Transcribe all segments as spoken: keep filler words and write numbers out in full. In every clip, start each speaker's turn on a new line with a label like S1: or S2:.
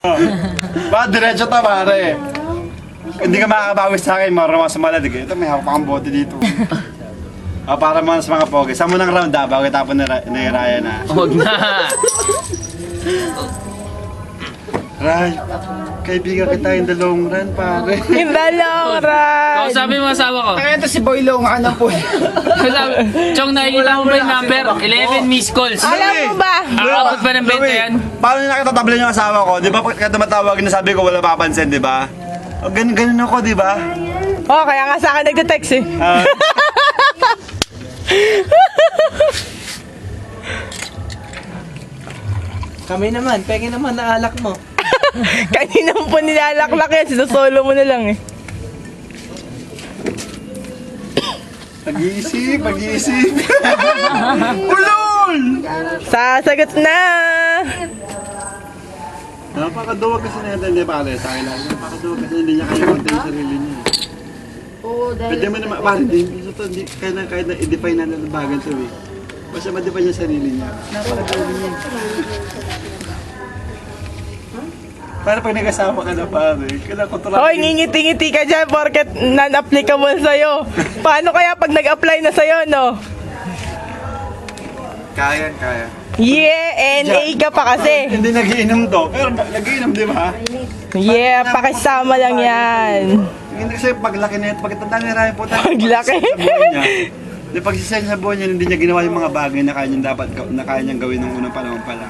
S1: Ba, diretso ta, pare. Hindi ka makakabawi sa akin, marunong sa maladig. Ito, may hawak kang bote dito. O, para mga sa mga pogi. Sa munang round ha, bago tapon ni, Ra- ni Ryan ha.
S2: Huwag na.
S1: Ray, kaibigan kita in the long run, pare.
S3: In the long run!
S2: Kausapin mo asawa ko.
S4: Kaya ito si Boy Long, ano po?
S2: Kausapin. Chong, nakikita mo ba yung number? eleven missed calls.
S3: Alam mo ba?
S2: Aabot ba ng benta yan?
S1: Paano niya nakitatablan yung asawa ko? Di ba pagka tumatawag na sabi ko wala papansin, di ba? O, ganun, ganun ako, di ba?
S3: Oh, kaya nga sa akin nagte-text eh.
S1: Ah,
S4: Kami naman, pengen naman na alak mo.
S3: Kanina mo po nilalaklak yan, sinusolo mo na lang eh.
S1: Pag-iisip, pag-iisip. Ulol!
S3: Sasagot na!
S1: Napakaduwag kasi natin, di pare, sa akin lang. Napakaduwag kasi hindi niya kaya konti yung sarili niya.
S5: Oo, dahil...
S1: Pwede mo naman, pare, hindi, ito, hindi, kaya na, kaya na, i-define na ng bagan to eh. Basta ma-define niya sarili niya. Napakaduwag niya. Para pag nag-asama ka na pare, kailangan kontrolin.
S3: Hoy, ngingiti-ngiti ka dyan porket non-applicable sa'yo. Paano kaya pag nag-apply na sa'yo, no?
S1: Kaya, kaya.
S3: Yeah, N A ka pa kasi.
S1: Hindi nagiinom to, pero nagiinom, di ba?
S3: Yeah, pakisama lang yan.
S1: Hindi kasi paglaki na ito, pagkatanda ni Ryan po tayo.
S3: Paglaki?
S1: Di pagsisend sa buhay niya, hindi niya ginawa yung mga bagay na kaya niyang dapat, na kaya niyang gawin ng unang panahon pa lang.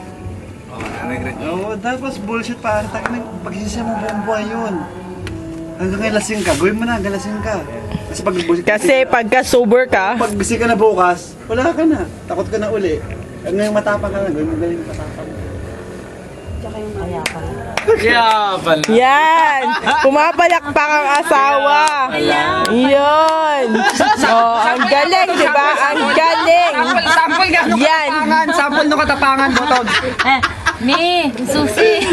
S1: Oo, tapos bullshit pare, pagsisend mo buong buhay yun. Hanggang ngayon lasing ka, gawin mo na, hanggang lasing ka. Kasi pag bullshit
S3: Kasi pagka sober ka,
S1: pag busy ka na bukas, wala ka na, takot ka na uli. Ngayon matapang ka na, gawin mo galing matapang.
S2: Yeah, pala.
S3: yan! Pumapalakpak ang asawa! Yun! Oh, ang galing, di ba? Ang galing!
S4: Sample, sample ka nung
S3: Yan.
S4: katapangan, sample nung katapangan, botog.
S5: Eh, mi, susi.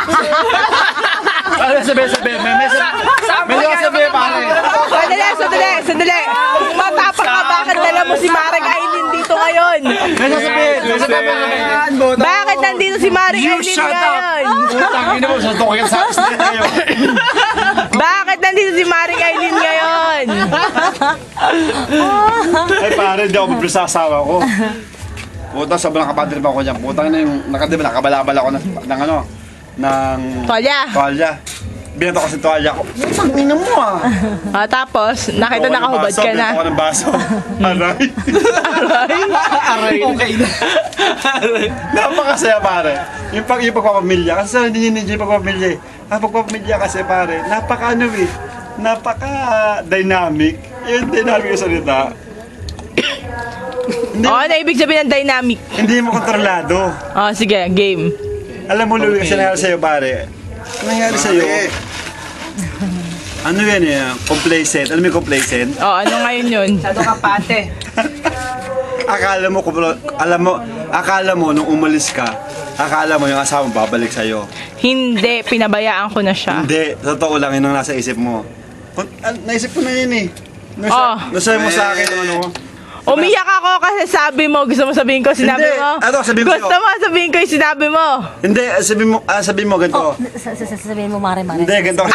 S1: Ano sabi, sabi, may may may may sabi pare.
S3: Sandali, sandali, sandali! Kung matapang ka, bakit dala mo si Marek Aileen dito ngayon?
S1: May sasabihin, may sasabihin.
S4: Yan, botog.
S3: Bakit nandito si Marek
S1: You
S3: Aileen
S1: shut up!
S3: ngayon?
S1: Tangin na mo, sa tukay sa street kayo.
S3: Bakit nandito si Marek Aileen ngayon?
S1: Ay pare, hindi ako mabili sa asawa ko. Puta, sobrang kapadir pa ako dyan. Putang na yung, nakadiba, nakabalabal ako ng, ng ano, ng...
S3: Tolya.
S1: Tuwalya. Binato ko sa tuwalya ko. Tangin na mo ah.
S3: Ah, tapos, nakita
S1: Binato ko ng
S3: nakahubad
S1: baso,
S3: ka na.
S1: binato ko ng baso. Aray.
S4: Aray. Okay na.
S1: Napakasaya pare. Yung, pag, yung pagpapamilya. Kasi sa hindi niya yung pagpapamilya eh. Ang pagpapamilya kasi pare, napaka ano eh. Napaka dynamic. Yung dynamic yung salita. Hindi,
S3: Oh, ano ibig sabihin ng dynamic?
S1: hindi mo kontrolado.
S3: Oh, sige, game.
S1: Alam mo, Louie, kasi nangyari sa'yo, pare. Ang nangyari sa'yo, ano yan eh, complacent. Alam mo yung complacent?
S3: Oh, ano ngayon yun?
S4: Masyado ka pate.
S1: Akala mo, kumplo- alam mo, akala mo nung umalis ka, akala mo yung asawa mo babalik sa'yo.
S3: Hindi, pinabayaan ko na siya.
S1: Hindi, totoo lang yun ang nasa isip mo. Kung- ah, naisip ko na yun eh. Nung
S3: Oh.
S1: sa- nung sabi mo sa akin, ano mo?
S3: Umiyak ako kasi sabi mo, gusto mo sabihin ko, sinabi
S1: Hindi.
S3: mo.
S1: Ano, sabihin ko
S3: Gusto
S1: sa'yo.
S3: mo, sabihin ko yung sinabi mo.
S1: Hindi, ah, sabihin mo, ah, sabihin mo ganito.
S5: Sa- sa- Sasabihin mo, mare, mare.
S1: Hindi, ganito.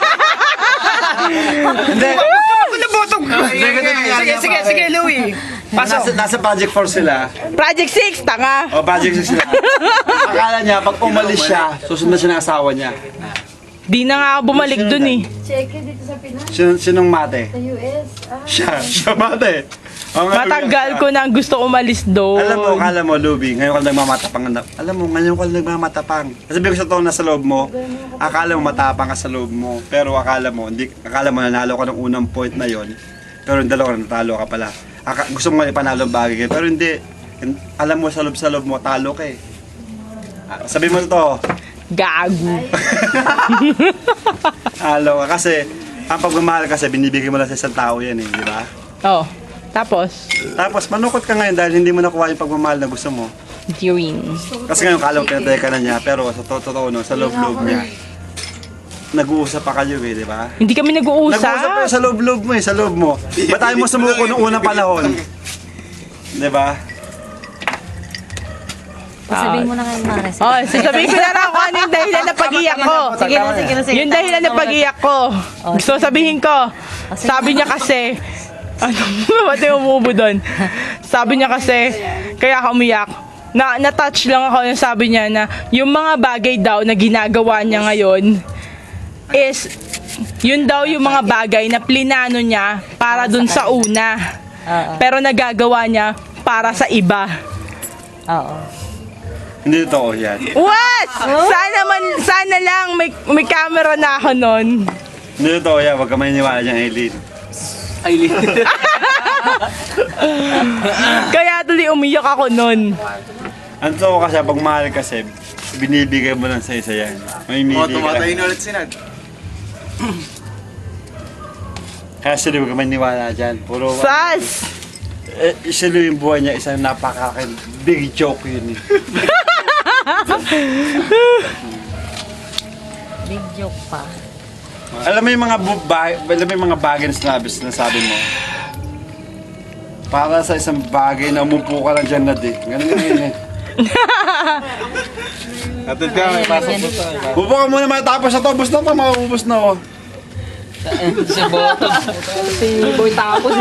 S1: Hindi.
S4: Ano botog?
S1: Sige, sige,
S4: Sige, sige, sige, Louie.
S1: Nasa, nasa Project four sila.
S3: Project six, tanga.
S1: O, Project six sila. Akala niya, pag umalis siya, susunod siya ng asawa niya.
S3: Di na nga ako bumalik dun eh.
S5: Check it dito sa Pinas,
S1: Sin sinong mate?
S5: sa U S. Ah,
S1: Siya, siya mate. O, ngayon
S3: Matagal
S1: siya.
S3: ko nang gusto umalis doon.
S1: Alam mo, akala mo, Luby, ngayon ka lang nagmamatapang. Alam mo, ngayon ka lang nagmamatapang. Sabi ko sa to, nasa loob mo, akala mo matapang ka sa loob mo. Pero akala mo, hindi, akala mo nanalo ka ng unang point na yon. Pero yung dalawa, natalo ka pala. Aka, gusto mo nga ipanalo ang bagay kayo, pero hindi. Alam mo, sa loob sa loob mo, talo ka eh. Ah, sabi mo to,
S3: Gago.
S1: talo ka. Kasi, ang pagmamahal kasi, binibigay mo lang sa isang tao yan eh, di ba?
S3: Oh, tapos,
S1: Tapos, manukot ka ngayon dahil hindi mo nakuha yung pagmamahal na gusto mo.
S3: Dirin.
S1: Kasi ngayon, kala mo pinatay ka na niya, pero sa to- totoo no, sa loob-loob niya, nag-uusap pa kayo eh, di ba?
S3: Hindi kami
S1: Nag-uusap pa
S3: nag-uusap.
S1: sa loob-loob mo eh, sa loob mo. Ba't tayo mo sumuko noong unang panahon? Di ba?
S5: Sabihin mo na ngayon, Mare.
S3: Oh, sasabihin ko na lang kung ano yung dahilan ng pag-iyak ko.
S5: Sige na, sige na, sige.
S3: Yung dahilan ng pag-iyak ko. Gusto sabihin ko. Sabi niya kasi, ano, ba't yung umubo doon? Sabi niya kasi, kaya ako umiyak. Na, na-touch lang ako yung sabi niya na yung mga bagay daw na ginagawa niya ngayon is, yun daw yung mga bagay na plinano niya para dun sa una.
S5: Oo.
S3: Pero nagagawa niya para sa iba.
S5: Oo.
S1: Hindi totoo yan.
S3: What? Sana man, sana lang may, may camera na ako nun.
S1: Hindi totoo yan. Huwag ka maniniwala dyan, Aileen.
S2: Aileen.
S3: Kaya tuloy umiyak ako nun.
S1: Ang totoo kasi, pag mahal kasi, binibigay mo lang sa isa yan. May mili ka lang.
S4: ulit sinad.
S1: Kaya sila huwag ka maniniwala dyan. Puro,
S3: Sas!
S1: eh, sila yung buhay niya, isang napakakin. Big joke yun eh.
S5: Big joke pa.
S1: Alam mo yung mga bu- ba- alam mo yung mga bagay na sinabi, sinasabi mo. Para sa isang bagay na umupo ka lang dyan na di. Ganun nga yun eh.
S4: Atid ka, may pasok po tayo.
S1: Upo ka muna matapos na to. Ubus na to, maubos na oh.
S2: Si Botog. Si Boy Tapos.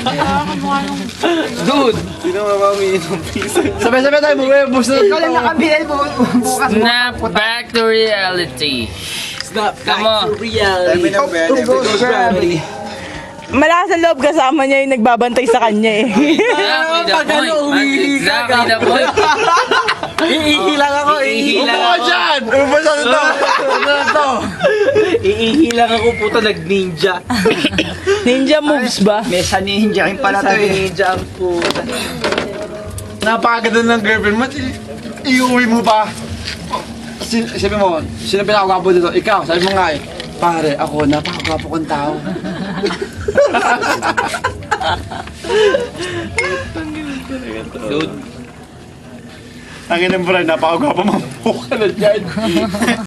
S2: Dude.
S4: Sino mamamiinom pisa?
S1: Sabay-sabay tayo, maubos na
S4: Ikaw lang
S1: to.
S4: nakabilal bu- bukas.
S2: Snap back to reality.
S6: Snap
S2: Come on.
S6: back to reality.
S4: Ghost gravity.
S3: Malakas ang loob kasama niya yung nagbabantay sa kanya eh.
S2: Exactly the
S6: Pag ano,
S2: point.
S6: umihi ka
S2: Exactly the point.
S6: Iihi lang ako, iihi
S2: Iihi
S6: lang
S1: Upo ka
S6: ako.
S1: dyan! Ubus na to! Ubus na to!
S6: Iihi lang ako, puto, nag-ninja.
S3: Ninja moves ba?
S4: May sa ninja rin pala to
S6: Sa
S4: eh.
S6: ninja ang puto.
S1: Napakaganda ng girlfriend mo. i- Iuwi mo pa. Sin sabi mo, sino pinakagwapo dito? Ikaw, sabi mo nga eh. Pare, ako, napakagwapo kong tao.
S2: Dude.
S1: Ang inang bro, napakagwapo mo. Mukha na dyan.